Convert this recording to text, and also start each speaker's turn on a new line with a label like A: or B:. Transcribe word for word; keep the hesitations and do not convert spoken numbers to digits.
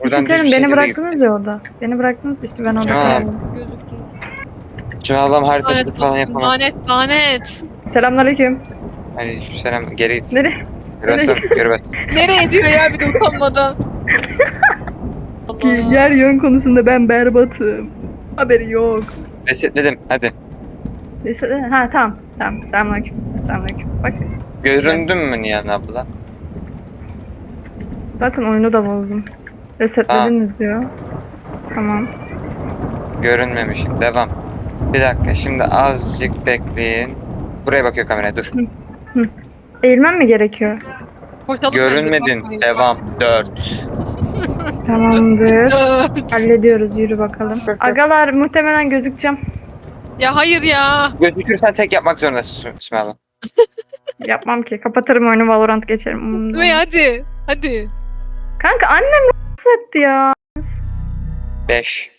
A: Buradan
B: Sizlerin
A: düz bir
B: beni
A: şekilde
B: bıraktınız ya orada. Beni bıraktınız işte ben orada
A: Tamam.
B: kaldım.
C: Gözüktü.
A: Şimdi Allah'ım haritacılık
D: Lanet
A: falan
D: olsun,
A: yapamaz.
D: lanet lanet.
B: Selamünaleyküm.
A: Hani selam geri git.
B: Nereye?
A: Burası görmez.
D: Nereye diyor ya bir de utanmadan. Allah.
B: Yer yön konusunda ben berbatım. Haberi yok.
A: Resetledim hadi.
B: Neyse, ha tamam. Tamam. Selamünaleyküm. Selamünaleyküm. Bak
A: Göründün mü Nihan abla?
B: zaten oyunu da bozdum. Resetlediniz diyor. Tamam.
A: Görünmemişim. Devam. Bir dakika şimdi azıcık bekleyin. Buraya bakıyor kameraya dur.
B: Eğilmem mi gerekiyor?
D: Koşalım
A: Görünmedin.
D: bence, bakmayın.
A: Devam. Dört.
B: Tamamdır.
D: Evet.
B: Hallediyoruz. Yürü bakalım. Agalar muhtemelen gözükeceğim.
D: Ya hayır ya.
A: Gözükürsen tek yapmak zorundasın Sümeyye abla.
B: Yapmam ki. Kapatırım oyunu Valorant geçerim. Umurumda
D: Ve
B: olmaz.
D: hadi. Hadi.
B: Kanka annem rahatsız etti ya.
A: Beş.